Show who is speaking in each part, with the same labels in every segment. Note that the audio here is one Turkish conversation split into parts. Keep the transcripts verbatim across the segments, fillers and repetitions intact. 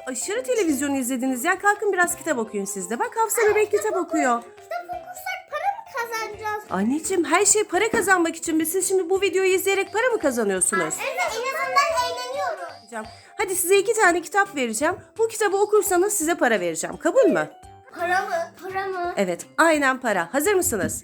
Speaker 1: aşırı televizyon izlediniz ya. Kalkın biraz kitap okuyun siz de. Bak Hafsa bebek kitap okuyor.
Speaker 2: Kitap okursak para mı kazanacağız?
Speaker 1: Anneciğim her şey para kazanmak için mi? Siz şimdi bu videoyu izleyerek para mı kazanıyorsunuz?
Speaker 2: Evet, en azından eğleniyoruz.
Speaker 1: Hadi size iki tane kitap vereceğim. Bu kitabı okursanız size para vereceğim. Kabul mü?
Speaker 2: Para mı? Para mı?
Speaker 1: Evet, aynen para. Hazır mısınız?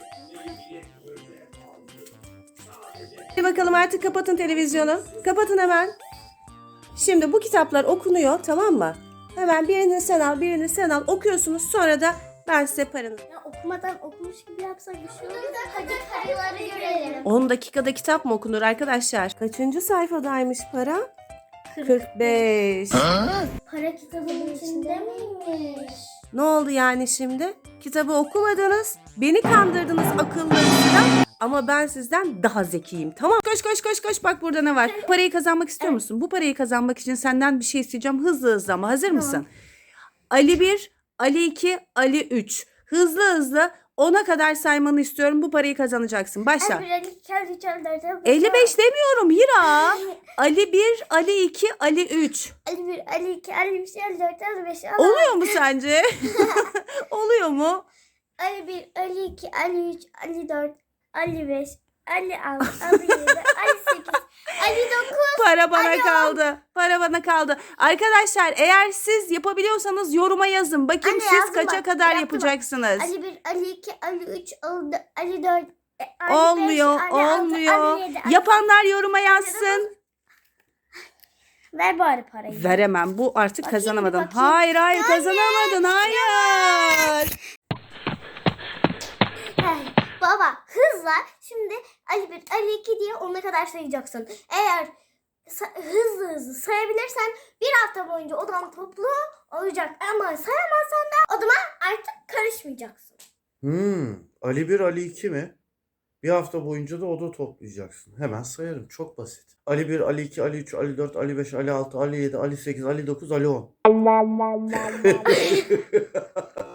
Speaker 1: Hadi bakalım artık kapatın televizyonu. Kapatın hemen. Şimdi bu kitaplar okunuyor, tamam mı? Hemen birini sen al, birini sen al. Okuyorsunuz, sonra da ben size paranı...
Speaker 2: Ya okumadan okumuş gibi yapsak bir şey olur. Hadi karıları görelim.
Speaker 1: on dakikada kitap mı okunur arkadaşlar? Kaçıncı sayfadaymış para? kırk beş.
Speaker 2: Para kitabının içinde miymiş?
Speaker 1: Ne oldu yani şimdi? Kitabı okumadınız, beni kandırdınız akıllarınızla ama ben sizden daha zekiyim. Tamam. Koş koş koş koş, bak burada ne var? Parayı kazanmak istiyor musun? Bu parayı kazanmak için senden bir şey isteyeceğim. Hızlı hızlı ama hazır mısın? Ali bir, Ali iki, Ali üç. Hızlı hızlı ona kadar saymanı istiyorum. Bu parayı kazanacaksın. Başla. elli beş demiyorum Hira. Ali bir, Ali iki, Ali üç.
Speaker 2: Ali bir, Ali iki, Ali üç, Ali dört, Ali beş, Ali
Speaker 1: Oluyor mu sence? Oluyor mu?
Speaker 2: Ali bir, Ali iki, Ali üç, Ali dört, Ali beş, Ali altı, Ali yedi, Ali sekiz, Ali dokuz.
Speaker 1: Para bana
Speaker 2: Ali on.
Speaker 1: kaldı. Para bana kaldı. Arkadaşlar eğer siz yapabiliyorsanız yoruma yazın. Bakayım
Speaker 2: Anne,
Speaker 1: siz
Speaker 2: yazdım
Speaker 1: kaça
Speaker 2: bak,
Speaker 1: kadar
Speaker 2: yaptım bak.
Speaker 1: yapacaksınız?
Speaker 2: Ali bir, Ali iki, Ali üç, Ali dört, Ali dört, Ali
Speaker 1: Olmuyor,
Speaker 2: beş, Ali altı,
Speaker 1: olmuyor.
Speaker 2: Ali yedi, Ali
Speaker 1: Yapanlar yoruma yazsın.
Speaker 2: Ver bari parayı.
Speaker 1: Veremem. Bu artık
Speaker 2: Bakayım,
Speaker 1: kazanamadın.
Speaker 2: bakayım.
Speaker 1: Hayır, hayır
Speaker 2: Anne,
Speaker 1: kazanamadın. Hayır.
Speaker 2: Hey, baba hızla şimdi Ali bir, Ali iki diye ona kadar sayacaksın. Eğer sa- hızlı hızlı sayabilirsen bir hafta boyunca odan toplu olacak. Ama sayamazsan da odama artık karışmayacaksın.
Speaker 3: Hmm, Ali bir, Ali iki mi? Bir hafta boyunca da oda toplayacaksın. Hemen sayarım. Çok basit. Ali bir, Ali iki, Ali üç, Ali dört, Ali beş, Ali altı, Ali yedi, Ali sekiz, Ali dokuz, Ali on.